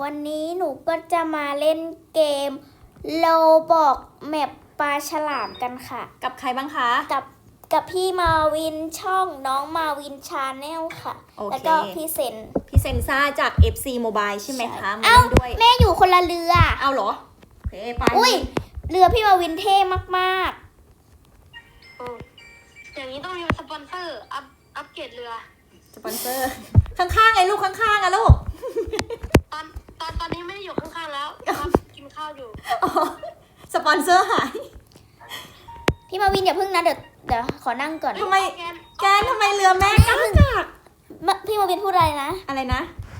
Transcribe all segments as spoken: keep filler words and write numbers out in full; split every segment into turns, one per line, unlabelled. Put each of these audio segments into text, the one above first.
วันนี้หนูก็จะมาเล่นเกมโลบอกแมปปลาฉลามกันค่ะ
กับใครบ้างคะ
กับกับพี่มาวินช่องน้องมาวินชาแนลค่ะ
โอเค
แล้วก็พี่เซน
พี่เซนซ่าจาก เอฟ ซี Mobile ใช่ไหมคะมา
เอ้า
เล่นด้วย
แม่อยู่คนละเรือ
เอาเหรอโอเคไป
อุ้ยเรือพี่มาวินเท่มาก
โอ้อย่างนี้ต้องมีสปอนเซอร์อัพอัพเกรดเรือ
สปอนเซอร์ ข้างๆไงลูกข้างๆอะลูก
ตอนตอนตอนนี้ไม่ได้อยู่ข้างๆแล้วครับกินข้าวอยู่
อ๋อสปอนเซอร์หาย
ๆพี่มาวินอย่าเพิ่งนะเดี๋ยวเดี๋ยวขอนั่งก่อน
ทำไม
แกน
แกนทำไมเรือแม่กากาก
มะพี่มาวินพูดอะไรนะ
อะไรนะ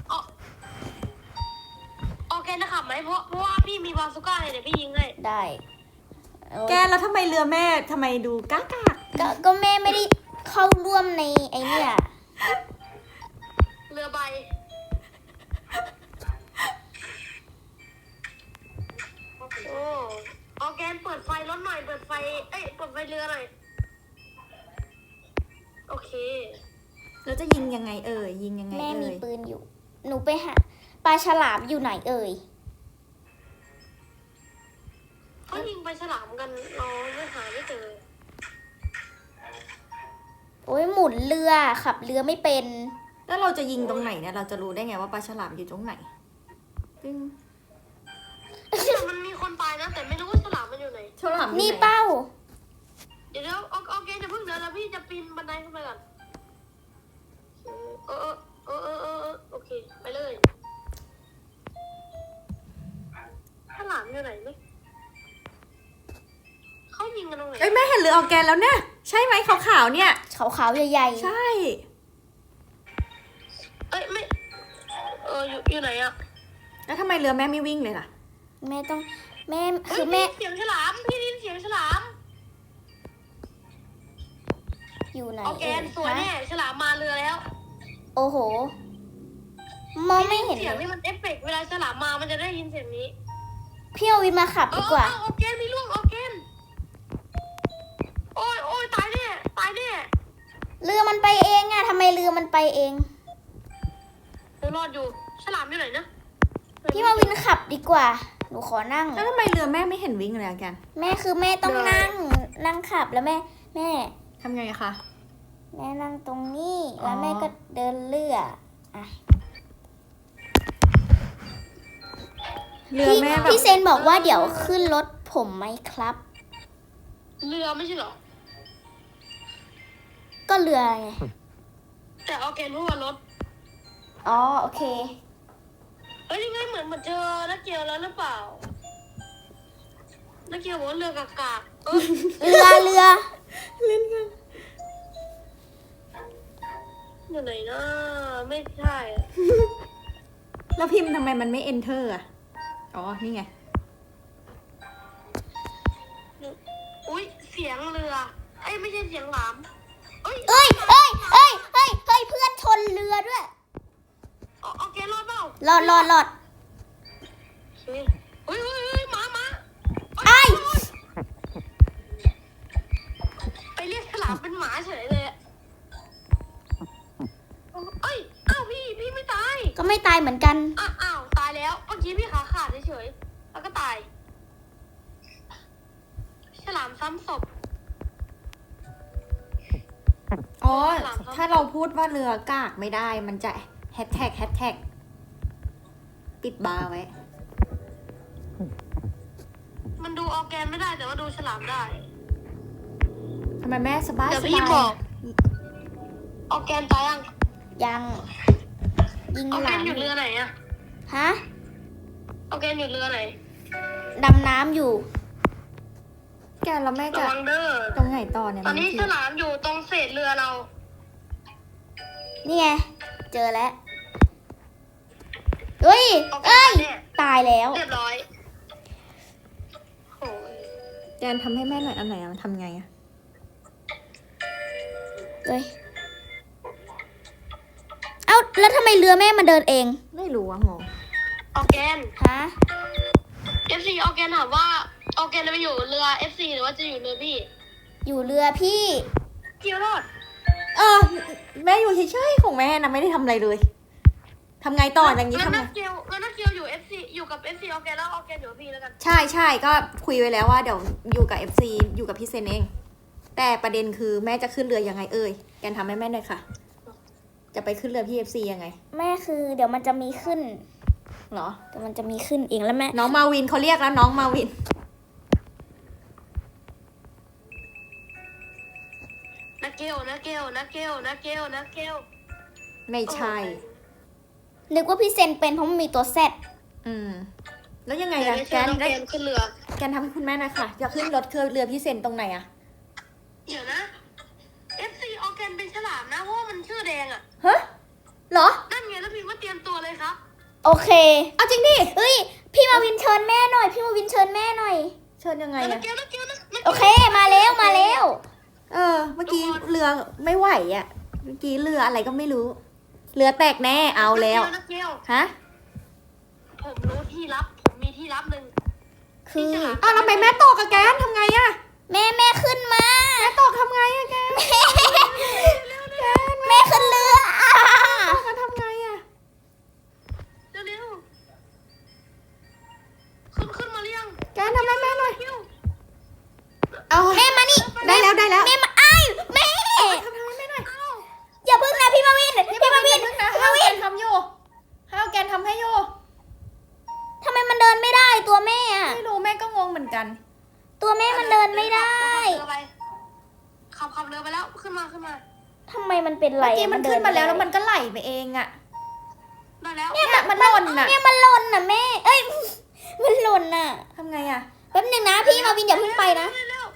โอเคนะครับไหมเพราะเพราะว่าพี่มีบาซูก้าเลยเดี๋ยวพี่ยิงให้
ได้เออ
แกนแล้วทำไมเรือแม่ทำไมดูกากาก
ก็ก็แม่ไม่ได้เข้าร่วมในไอเนี่ย
เรือใบโอ้ออร์แกนเปิดไฟรถหน่อยเปิดไฟเอ้ยเปิดไฟเรือหน่อยโอเค
แล้วจะยิงยังไงเอ่ยยิงยังไง
แม่
เอ่
มี
ย
ปืนอยู่ หนูไปหาปลาฉลามอยู่ไหนเอ่ย
เขายิงไปฉลามกันเราไม่หาไม่เจอ
โอ้ยหมุนเรือขับเรือไม่เป็น
แล้วเราจะยิงตรงไหนเนี่ยเราจะรู้ได้ไงว่าปลาฉลามอยู่ตรงไหนตึ้ง
แต่มันมีคนตายนะแต่ไม่รู้ว่าฉลามมันอยู่ไหน
ฉลามอยู่ไห
นี่เป้า
เดี๋ยวเดี๋ยวโอโอเคจะเพิ่งเดี๋ยวแล้วพี่จะปีนบันไดขึ้นไปก่อนเออเออเออเออเออโอเคไปเลยฉลามอยู่ไหนนี่เขายิงกันตรงไหน
เอ้ยแม่เห็นเรือออร์แกนแล้วเนี่ยใช่ไหมขาวๆเนี่ย
ขาวๆใหญ่
ใช่
เอ้ยไม่เอออยู่อยู่ไหนอะ
แล้วทำไมเรือแม่ไม่วิ่งเลยล่ะ
ๆ แม่ต้องแม่
เฮ้ย
คือแม่
พี่ได้ยินเสียงฉลามพี่ได้ยินเสียงฉลาม
อยู่ไหน
โอเค
เอ่ย
สวยแน่
ฮะ
ฉลามมาเรือแล้ว
โอ้โห มองไม่เห็น
เสียง
เล
นี่
ย
มันเอฟเฟกต์เวลาฉลามมามันจะได้ยินเสียงนี้
พี่เอาวินมาขับ
เอ
ดี
อก
ว่า
เออโอเคมีลูกโอเคโอ้ยโอ้ยตายแน่ตายแน่
เรือมันไปเองอะทำไมเรือมันไปเอง
หนูรอดอยู่ฉลามอยู่ไหนนะ
พี่มาวินขับดีกว่า หนูขอนั่ง
แล้วทำไมเรือแม่ไม่เห็นวิ่งเลยอะแกน
แม่คือแม่ต้องนั่ง นั่งขับแล้วแม่ แม่
ทำไงอะคะ
แม่นั่งตรงนี้
อ๋อ
แล้วแม่ก็เดินเรืออ่ะ
เรือ
พี่
แม่แบบ
พี่เซนบอกว่าเดี๋ยวขึ้นรถผมไหมครับ
เรือไม่ใช่เหรอ
ก็เรือไง
แต่โอเคพูดว่ารถ
อ๋อโอเค
เอ้ยยังไงเหมือนเหมือนเจอนักเกียวแล้วหรือเปล่านักเกียวบอกว่าเรือกากาเออ
เรือเรือ
เล่นกัน
อยู่ไหนนะไม่ใช่อะ
แล้วพิมพ์ทำไมมันไม่ enter อะอ๋อนี่ไง
อุ้ยเสียงเรือไอ้ยไม่ใช่เสียงหลามเอ้ย
เอ้ยเอ้ยเอ้ยเอ้ยเอ้ยเพื่อนชนเรือด้วย
โอโอเครอดเปล่าร
อดรอดรอด
เฮ้ยเฮ้ยเฮ้ยเฮ้ยหมาหมา
ไอ้
ไปเรียกฉลามเป็นหมาเฉยเลยอะเอ้ยอ้าวพี่พี่ไม่ตาย
ก็ไม่ตายเหมือนกัน
อ้าวอ้าวตายแล้วเมื่อกี้พี่ขาขาดเฉยๆแล้วก็ตายฉลามซ้ำศพ
อ๋อ ถ้าเราพูดว่าเรือกากไม่ได้ มันจะแฮชแท็กแฮชแท็กปิดบาร์ไว้
มันดูออร์แกนไม่ได้แต่ว่าดูฉลามได้
ทำไมแม่สบาย
เดี๋ยว
ส
พี่
บา
บอก
ย
ออร์แกนตายยัง
ยัง ยิง
ออร์
ห
แก
ลั
น
ง
อยู่เรือไหนอะ
ฮะ
ออร์แกนอยู่เรือไหน
ดำน้ำอยู่
แกแล้วแม่
ระ
จะ
วังเด้อ
ตรงไหนต่อเนี่ย
ตอนนี้
มั
ฉลามอยู่ตรงเศษเรือเรา
นี่ไง เจอแล้วเฮ้ย
ออร์แก
เอ้
น
ย
ตายแน่
ตายแล้ว
เรียบร้อยโอ้ย
แกนทำให้แม่หน่อยอันไหนอะมันทำไงอะ
เฮ้ย เอ้า แล้วทำไมเรือแม่มาเดินเอง
ไม่รู้อะงง
ออร์แกน
ฮะ
เอฟซีออร์แกนถามว่าออร์แกนจะไปอยู่เรือ เอฟซี หรือว่าจะอยู่เรือพี่
อยู่เรือพี่
พี่รอด
เออแม่อยู่เฉยๆของแม่นะไม่ได้ทำอะไรเลยทำไงต่ออย่างนี้
งั้น
ทำไง
นักเกียวงั้นนักเกียวอยู่เอฟซีอยู่กับเอฟซีออร์แกนแล้วออร์แกนอยู่กับพี่แล้วกัน
ใช่ใช่ก็คุยไว้แล้วว่าเดี๋ยวอยู่กับ เอฟ ซี อยู่กับพี่เซนเอง แต่ประเด็นคือแม่จะขึ้นเรือยังไงเอ่ยแกนทำให้แม่หน่อยค่ะ จะไปขึ้นเรือพี่ เอฟ ซี ยังไง
แม่คือเดี๋ยวมันจะมีขึ้น
เหรอ
เดี๋ยวมันจะมีขึ้นเองแล้วแม่
น้องมาวินเขาเรียกแล้วน้องมาวิน
นักเกียวนักเกียวนักเกียวนักเกียวนักเกียว
ไม่ใช่
นึกว่าพี่เซนเป็นเพราะมันมีตัวแซด
อืม แล้วยังไง
เดี๋ยว
อะ
ได้
แก
เชิญ
น
น้อง
ได้
เกมขึ้นเรือ
แกนทำให้คุณแม่หน่อยค่ะจะขึ้นรถเครือเรือพี่เซนตรงไหนอะ
เดี๋ยวนะเอฟซีออร์แกนเป็นฉลามนะเพราะว่ามันชื่อแดงอ่ะ
ฮะเหรอ
นั่นไงแล้วพิมพ์ว่าเตรียมตัวเลยครับ
โอเค
เอาจริงดิ
เฮ้ย พี่มาวินเชิญแม่หน่อย พี่มาวินเชิญแม่หน่อย
เชิญยังไง
นั
อะ
กเกียวนักเกียวนักนัก
โอเค มาแล้วมาแล้ว
เออ เมื่อกี้เรือไม่ไหวอะเมื่อกี้เรืออะไรก็ไม่รู้ เรือแตกแน่เอาแล้ว
นักเกียว
ฮะ
ผมรู้ที่ลับ ผมมีที่ลับหนึ่ง
คือ
อ้าวแล้วทำไมแม่ตกอะแกนทำไงอะ
แม่แม่ขึ้นมา
แม่ตกทำไงอะแกน
แม่ขึ้นเรือ
ตกกันทำไงอะ
เร็วๆขึ้นขึ้นมาเรียง
แกนทำให้แม่หน่อย
เกียว
เอา
แม่มานี่
ได้แล้วได้แล้ว
แม่มาอ้ายแม่
ทำให้แม่หน่อย
อย่าพึ่งนะพี่มาวิน พี่มาวิน
นะให้เอาแกนทำอยู่ให้เอาแกนทำให้อยู่
ทำไมมันเดินไม่ได้ตัวแม่อะ
ไม่รู้แม่ก็งงเหมือนกัน
ตัวแม่มันเดินไม่ได้
ขับขับเรือไปแล้วขึ้นมาขึ้นมา
ทำไมมันเป็นไร
เมื่อกี้มันขึ้นมาแล้วแล้วมันก็ไหลไปเองอะ
ได้แล้ว
เนี่ยมันหล่นอะ
เนี่ยมันหล่นน่ะแม่ เอ้ย มันหล่นน่ะ
ทำไงอะ
แป๊บหนึงนะพี่มาวินอย่าเพิ่งไปนะ
เร็ว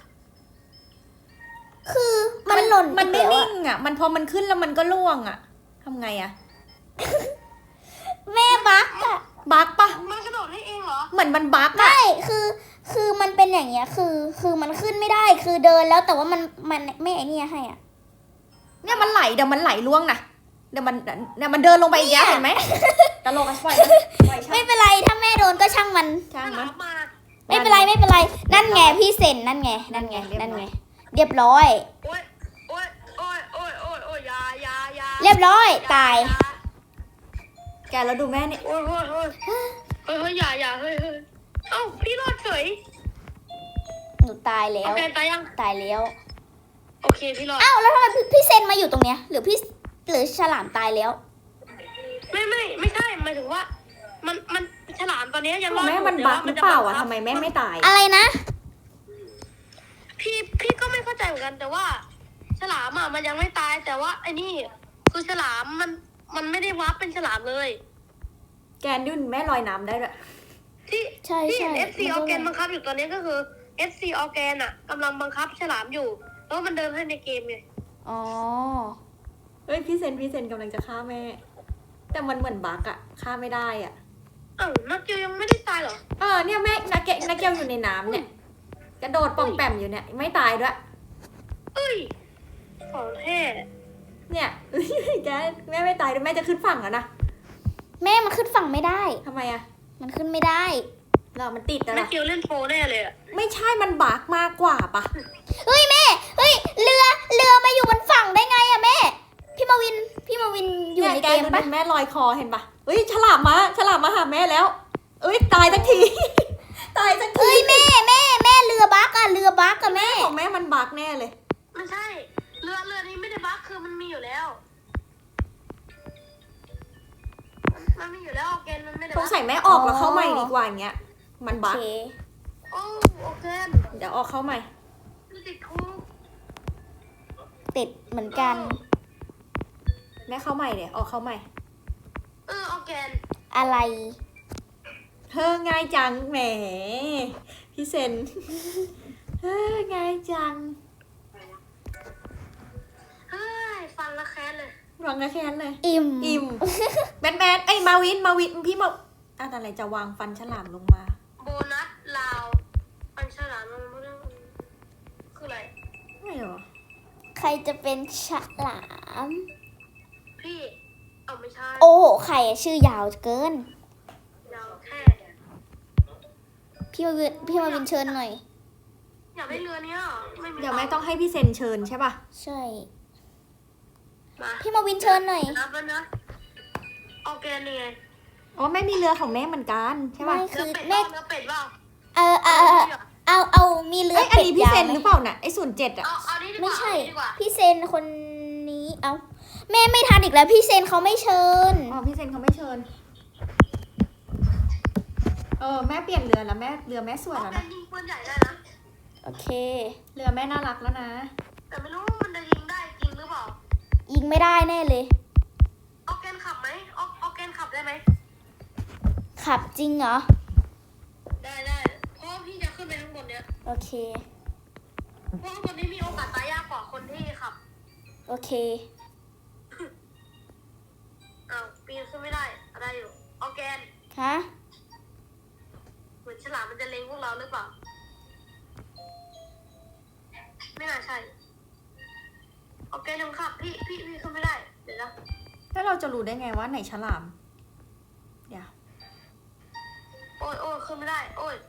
คือมันหล่น
มันไม่
อีกแล้ว
นิ่
อะ
งอะมันพอมันขึ้นแล้วมันก็ล่วงอะทำไงอะ
แม่บักอะ
บักปะ
ๆมันกระโดดให้เองเหรอ
เหมือนมันบักอะ
ไม่คือ คือมันเป็นอย่างเงี้ย คือ คือมันขึ้นไม่ได้ คือเดินแล้วแต่ว่ามัน มันไม่ไอ้เนี่ยให้อ่ะ
เนี่ยมันไหลเดี๋ยวมันไหลล่วงนะเดี๋ยวมันเดี๋ยวมันเดินลงไปอีกแล้วเห็นไหมตลกอะปล่อยมันปล่อยช่า
ไม่
ง
เป็นไร ถ้าแม่โดนก็ช่างมัน
ช่าง
ฉ
มั
ลาน มมา
ไม่เป็นไร ไม่เป็นไร นั่นไงพี่เซนนั่นไง นั่นไง นั่นไง เรียบร้อย
โอ้ยโอ้ยโอ้ยโอ้ยโอ้ยโอ้ยยายายา
เรียบร้อย ตาย
แกแล้วดูแม่เนี่ย
โอ้ยโอ้ยโอ้ยเฮ้ยเฮ้ยอย่าอย่าเฮ้ยเฮ้ยเอ้าพี่รอดเฉย
หนูตายแล้
โอ
ว
เคตายยัง
ตายแล้ว
โอเคพี่รอด
อ้าว แล้วทำไมพี่พี่เซนมาอยู่ตรงเนี้ย หรือพี่ หรือฉลามตายแล้ว
ไม่ไม่ไม่ใช่หมายถึงว่า มันมันฉลามตอนนี้ยังรอด
แม่
อยู่
มัน
แต่
บั
ว่
กหรือเปล่าอะทำไมแม่ไม่ตาย
อะไรนะ
พี่พี่ก็ไม่เข้าใจเหมือนกันแต่ว่า ฉลามอ่ะมันยังไม่ตายแต่ว่าไอ้นี่คือฉลามมันมันไม่ได้วับเป็นฉลามเลย
แกนดุนแม่ลอยน้ำได้ด้วย
ที่
ใช่
ที่
ใช่
เอฟซี
มัน
อ
ก็
อร์แกนบังคับอยู่ตอนนี้ก็คือเอฟซีออร์แกนอ่ะกำลังบังคับฉลามอยู่ แล้วมันเดินให้ในเกมไง
อ๋อ
เฮ้ยพี่เซนพี่เซนกำลังจะฆ่าแม่ แต่มันเหมือนบักอะฆ่าไม่ได้อะ
อ้าวนักเกียวยังไม่ได้ตายเหรอ
เออเนี่ยแม่นักเกนักเกลอยู่ในน้ำเนี่ยกระโดดป่องแปมอยู่เนี่ยไม่ตายด้วย
เอ้ยของแท้
เนี่ย แกแม่ไม่ตายด้วยแม่จะขึ้นฝั่งแล้วนะ
แม่มันขึ้นฝั่งไม่ได้
ทำไมอะ
มันขึ้นไม่ได้
เรามันติดแล้ว
นั
ล่ะ
กเกียวเล่นโปรแน่เลยอ่ะ
ไม่ใช่มันบักมากกว่าปะ
เฮ้ยแม่ เฮ้ย เรือ เรือมาอยู่บนฝั่งได้ไงอะแม่ พี่มาวิน พี่มาวินอยู่ใน
แก
เกม
ดู
ปะ
แม่ลอยคอเห็นปะเฮ้ยฉลามมาฉลามมาหาแม่แล้ว เอ้ยตายสักที ตายสักที
เฮ้ยแม่แม่แม่เรือบักอะเรือบักอะแม่
ของแม่มันบักแน่เลย
ไม่ใช่ เรือเรือนี้ไม่ได้บั๊กคือมันมีอยู่แล้ว มันมีอยู่แล้วออร์แกนมันไม่ได้
สง
บั๊ก
สัยแม่ออกแล้วเข้าใหม่ดีกว่าอย่างเงี้ย มัน
โอ
บัก
เค
โอ้ออร์แกน
เดี๋ยวออกเข้าใหม่
มันติดคุก
ติดเหมือนกัน
แม่เข้าใหม่เดี๋ยวออกเข้าใหม่
เออออร์แกน
อะไร
เฮ้อง่ายจังแหมพี่เซน เฮ้อง่ายจัง
เฮ้ยฟันละแค้นเลย
วางกระแค้นเลย
อิ่ม
อิ่ม แบนแบนไอ้ยมาวินมาวินพี่มาอะอะไรจะวางฟันฉลามลงมา
โบนัสลาวฟันฉลามมันไม่ได้คืออะไร
ไม่หรอ
ใครจะเป็นฉลาม
พี่ เอาไม่ใช่
โอ้โหใครอะชื่อยาวเกิน
ยาวแค่
พี่มาวิน พี่มาวินเชิญหน่อย
อยากได้เรือเนี้ยไม่มี
เดี๋ยวแม่ต้องให้พี่เซนเชิญใช่ป่ะ
ใช่
มา
พี่มาวินเชิญหน่อย
นับแล้วนะออร์แกนนี่ไง
อ๋อแม่มีเรือของแม่เหมือนกันใช่ป่ะ
ไม่
เนื้
คือ อ
เป็ด
แม่
เปล่าเนื้อเป็ดเปล่า
เออเออเออเอาเอามีเรือ
เอ้ยอัน
เป็ด
นี้พี่
ยาว
เซน
ไหม
หรือเปล่าน่ะไอ้ศูนย์เจ็ดอ่ะ
เอาเอานี้ดีก
ไม่
ว่า
ใช่
เอานี้ดีกว่า
พี่เซนคนนี้เอาแม่ไม่ทันอีกแล้วพี่เซนเขาไม่เชิญ
อ๋อพี่เซนเขาไม่เชิญเออแม่เปลี่ยนเรือแล้วแม่เรือแม่สวย
ออ
แล้ว
ร์แก
นะ
นยิงปืนใหญ่ได้นะ
โอเค
เรือแม่น่ารักแล้วนะ
แต่ไม่รู้ว่ามันจะยิงได้จริงหรือเปล่า
ยิงไม่ได้แน่เลย
ออร์แกนขับไหมออร์ออร์แกนขับได้ไหม
ขับจริงเหรอ
ได้ได้เพราะว่าพี่จะขึ้นไปข้างบนเนี้ย
โอเค
เพราะข้างบนนี้มีโอกาสตายยากกว่าคนที่ขับ
โอเค
อ้าวปีนขึ้นไม่ได้อะไรอยู่ออร์แกน
ฮะ
เหมือนฉลามมันจะเล็งพวกเราหรือเปล่า ไม่น่าใช่ออร์แกนยังขับพี่พี่พี่ขึ้นไม่ได้เดี๋ยวนะ
แล้วเราจะรู้ได้ไงว่าไหนฉลามเดี๋ยว
โอ้ยโอ้ยขึ้นไม่ได้ โอ้ย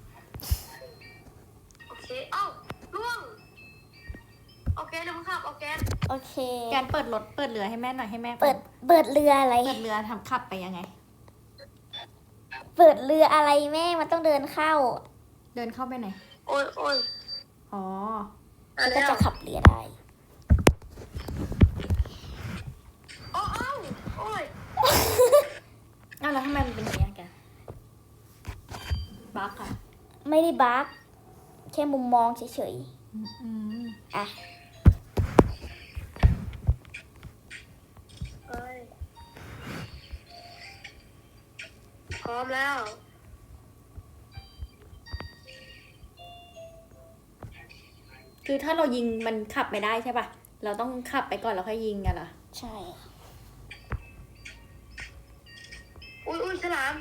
โอเคเอ้าล่วงออร์แกนยังขับออร์แกน
โอเค
แกนเปิดรถเปิดเรือให้แม่หน่อยให้แม่
เปิด เปิดเรืออะไร
เปิดเรือทำขับไปยังไง
เปิดเรืออะไรแม่มันต้องเดินเข้า
เดินเข้าไปไหน
โอ้ยโอ้ย
อ๋อ
อ่ะ
แล้วก็
แล้ว
จะขับเรือได้
โอ้เอ้าโอ้ย
อ้าวแล้วทำไมมันเป็นอย่างนี้อะแกบั๊กอะ
ไม่ได้บั๊กแค่มุมมองเฉย
อืม
ๆ อ่ะ
เอ้ยพร้อมแล้ว
คือถ้าเรายิงมันขับไม่ได้ใช่ป่ะ เราต้องขับไปก่อนแล้วค่อยยิงกันเหรอ
ใช่
อุ้ยอุ้ยฉลาม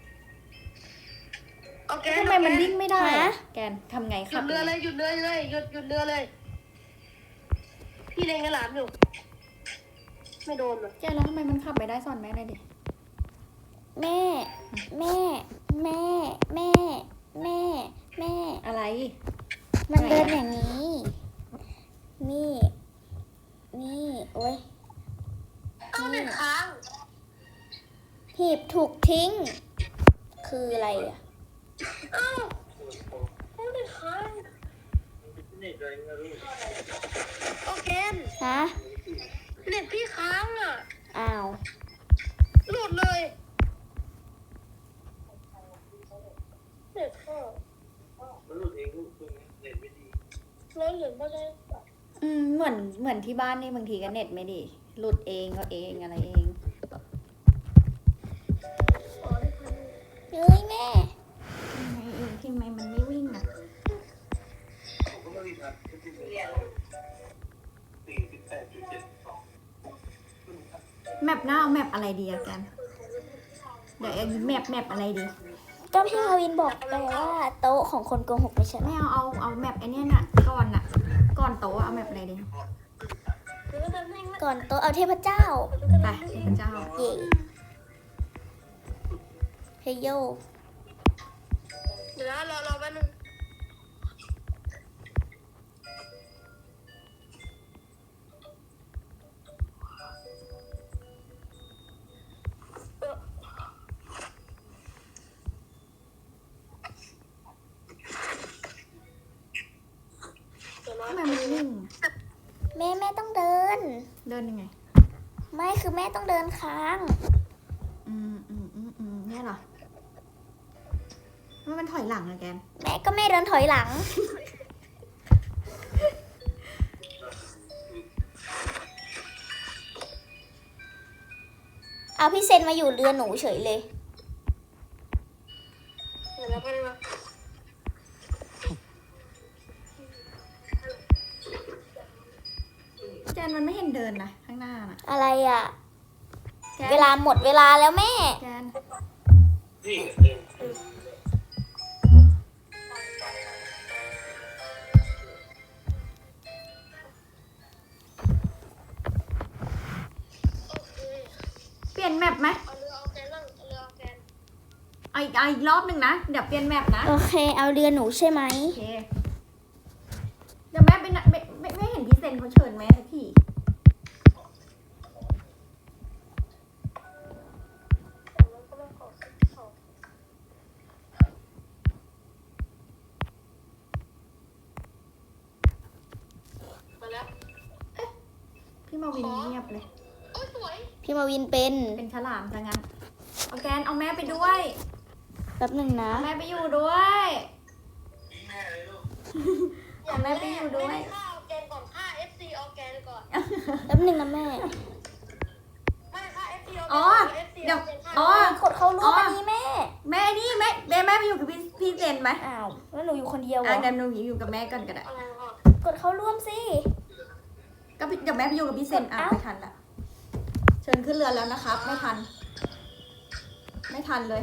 โอเค
ทำไมมันวิ่งไม่ได้
ฮะ
อะแกนทำไง
ห
ขั
ยุ
บ
ดเรือเลยหยุดเรือเลยหยุดหยุดเรือเลย พี่เล็งฉลามอยู่ ไม่โดนเลย
แกนแล้วทำไมมันขับไม่ได้สอนแม่หน่อยดิ
แม่ แม่ แม่ แม่ แม่ แม่
อะไร
มันเดินอย่างนี้ นี่ นี่ โอ้ย
เอ้าเน็ตค้าง
หีบถูกทิ้ง คืออะไรอ่ะ
เอ้าเอ้าเน็ตค้างโอเค
ฮะ
เน็ตพี่ค้างอ่ะ
อ้าว
หลุดเลยเน็ตเข้า
มันหลุดเองลูกคุณเน็ตไม่ดี
ร้อยเหรียญก็ได้
อืมเหมือนเหมือนที่บ้านนี่บางทีก็เน็ตไม่ดี หลุดเองก็เองอะไรเอง
อ๋อได้พัน
เฮ้ยแม่
ทำไมเองทำไมมันไม่วิ่งอ่ะ
ผมก็ไม่รีบนะที่เรียนสี่สิบแปดจุดเจ็ดสอง
แมปหน้าเอาแมปอะไรดีอะแกนเดี๋ยวเอาแมปแมปอะไรดี
ก็พี่มาวินบอกไปว่าโต๊ะของคนโกหกไม่ใช่
ไม่
เหรอ
เอาเอาเอาแมปไอเนี้ยน่ะก่อนน่ะ ก่อนโต๊ะเอาแมปอะไรดี
หรือว่าจะนิ่ง
ก่อนโต๊ะเอาเทพเจ้า
ไปพระเจ้า
เย่เฮยโย
เดี๋ยวนะรอรอแป๊บนึงเออเดี๋ยวนะ
ทำไมมันวิ่ง
แม่แม่ต้องเดิน
เดินยังไง
ไม่คือแม่ต้องเดินค้าง
อืมอืมอืมอืมเนี่ยเหรอมันมันถอยหลังอะแกน
แม่ก็แม่เดินถอยหลัง เอาพี่เซนมาอยู่เรือหนูเฉยเลย
เดี๋ยวนะแป๊บนึงนะ
แกนมันไม่เห็นเดินนะข้างหน้าน่ะ
อะไรอ่ะ
แกน
เวลาหมดเวลาแล้วแม่
แกน
นี่เดิน
โอเค
เปลี่ยนแมปไหม
เอาเรือเอาแกนนั่งเอาเรือเอาแกน
เอาอีกเอาอีกรอบหนึ่งนะเดี๋ยวเปลี่ยนแมปนะ
โอเค เอาเรือหนูใช่ไหม
โอเคเดี๋ยวแม่ไปนะไม่ไม่ไม่เห็นพี่เซนเขาเชิญแม่สักทีมาวินเงียบเลย
โอ้ยสวย
พี่มาวินเป็น
เป็นฉลามซะงั้นเอาแกนเอาแม่ไปด้วย
แป๊บหนึ่งนะ
เอาแม่ไปอยู่ด้วย
แม่เลยลูก
เอาแม่ไปอยู่ด้วย
ไม่ได้ฆ่าออร์แกนก่อนฆ่า เอฟ ซี ออร์แกนก่อน
แป๊บหนึ่งนะแม่
ไม่ฆ่า เอฟ ซี ออร์แกน
อ๋อ
เอฟซี
เดี๋ยว
อ๋
อ๋
อ
อ
กดเข้าร่วมอันนี้แม่
แม่นี่แม่แม่แม่ไปอยู่กับพี่พี่เซนไหม
อ้าว แล้วหนูอยู่คนเดียวเหร
อ่ะ
อ
เดี๋ยวหนูอยู่กับแม่ก่อนก็ได้
อะไรก่อน
กดเข้าร่วมสิ
ก็พี่เดี๋ยวแม่ไปอยู่กับพี่เซนอ่ะ
เอ้า
ไม่ทันละเชิญขึ้นเรือแล้วนะครับ ไม่ทัน ไม่ทันเลย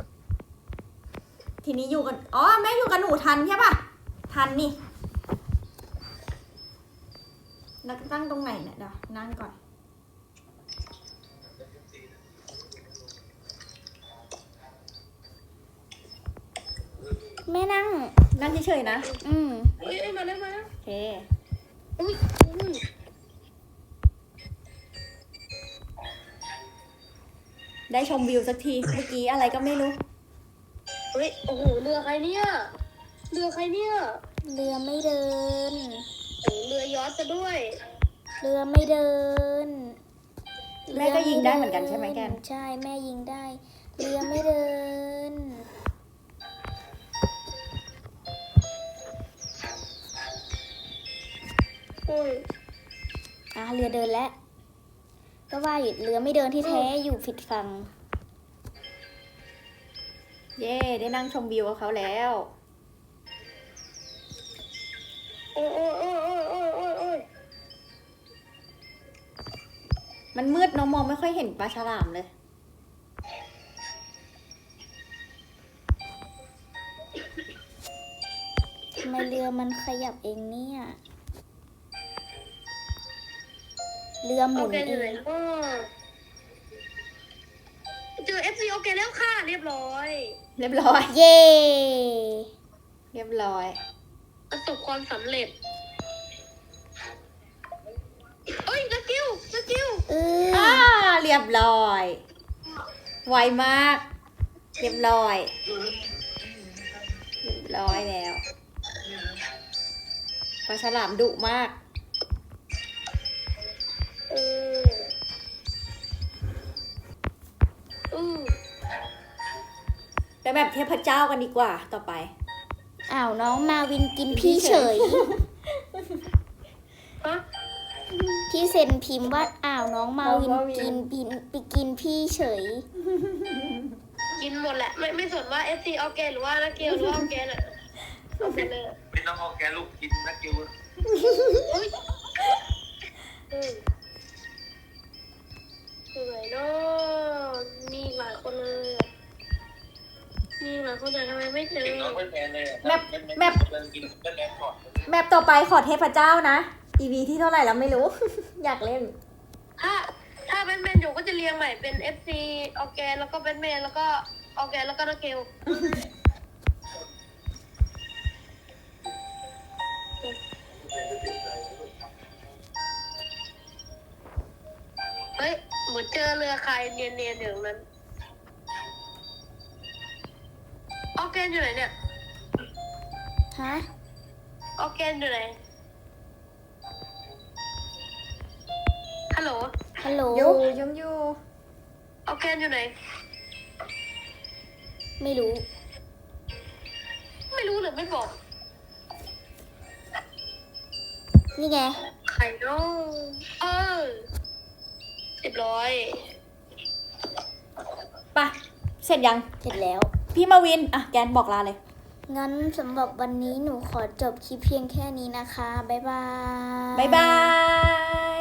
ทีนี้อยู่กันอ๋อแม่อยู่กับหนูทันใช่ปะทันนี่แล้วตั้งตรงไหนเนี่ยเดี๋ยวนั่งก่อน
แม่นั่ง
นั่งเฉยๆนะ
อืม
เฮ้ยเอ้ยมาแล้วมาแล้ว
โอเค
อุ้ยอุ้ย
ได้ชมวิวสักที เมื่อกี้อะไรก็ไม่รู้
เฮ้ยโอ้โหเรือใครเนี่ยเรือใครเนี่ย
เรือไม่เดิน
โอ้โหเรือยอชต์ซะด้วย
เรือไม่เดิน
แม่ก็ยิงได้เหมือนกันใช่ไหมแกน
ใช่แม่ยิงได้ เรือไม่เดิน
โอ้ย
อ่ะเรือเดินแล้ว ก็ว่าอยู่เรือไม่เดินที่แท้อยู่ผิดฝั่ง
เย่ได้นั่งชมวิวกับเขาแล้ว
โอ้ยโอ้ยโอ้ยโอ้ยโอ้ยโอ้ยโอ้ย
มันมืดเน้องมองไม่ค่อยเห็นปลาฉลามเลย
ทำไมเรือมันขยับเองเนี่ย เรือห
โอ
มุน
เค
เอ
อยู่ไหน
ง
เนาะเจอ เอฟ ซี โอเคแล้วค่ะ เรียบร้อย
เรียบร้อย
เย่
เรียบร้อย
ประสบความสำเร็จเอ้ยสกิลสกิล
เออ
อ่าเรียบร้อย ไวมาก เรียบร้อย เรียบร้อยแล้วปลาฉลามดุมาก
เอออือ
ไปแบบเทพเจ้ากันดีกว่าต่อไป
อ้าวน้องมาวินกินพี่เฉย
ฮะ
พี่เซนพิมพ์ว่าอ้าวน้องมาวิน
น้องมาวิน
กินปินไปกินพี่เฉย
กินหมดแหละ ไม่ไม่สนว่า เอฟ ซี ออร์แกนหรือว่านักเกลหรือว่าออร์แกนอะเอาไปเลย
ไม่ต้องเอาแกลูกกินนะกิว
อุ้ยอืมสวยเนาะมีหลายคนเลยอะมีหลายคนแต่ทำไมไม่เจอ
กินน้องเป็นแมนเลย
แมปแมป
เดินกินเป็นแมนก่อน
แมปต่อไปขอเทพเจ้านะ อีพีที่เท่าไหร่แล้วไม่รู้ อยากเล่น
ถ้าถ้าแบทแมนอยู่ก็จะเรียงใหม่เป็น เอฟ ซี ออร์แกนแล้วก็แบทแมนแล้วก็ออร์แกนแล้วก็นักเกล เฮ้ย เหมือนเจอเรือใครเนียนๆอยู่ตรงนั้น ออร์แกนอยู่ไหนเนี่ย
ฮะ
ออร์แกนอยู่ไหน ฮัลโหล
ฮัลโหล
อยู่ยังอยู่
ออร์แกนอยู่ไหน
ไม่รู้
ไม่รู้หรือไม่บอก
นี่ไง
ใครเนาะเออเรียบร้อย
ไปะเสร็จยัง
เสร็จแล้ว
พี่มาวิน อ่ะ แกนบอกลาเลย
งั้นสำหรับวันนี้หนูขอจบคลิปเพียงแค่นี้นะคะ บ๊ายบาย
บ๊ายบาย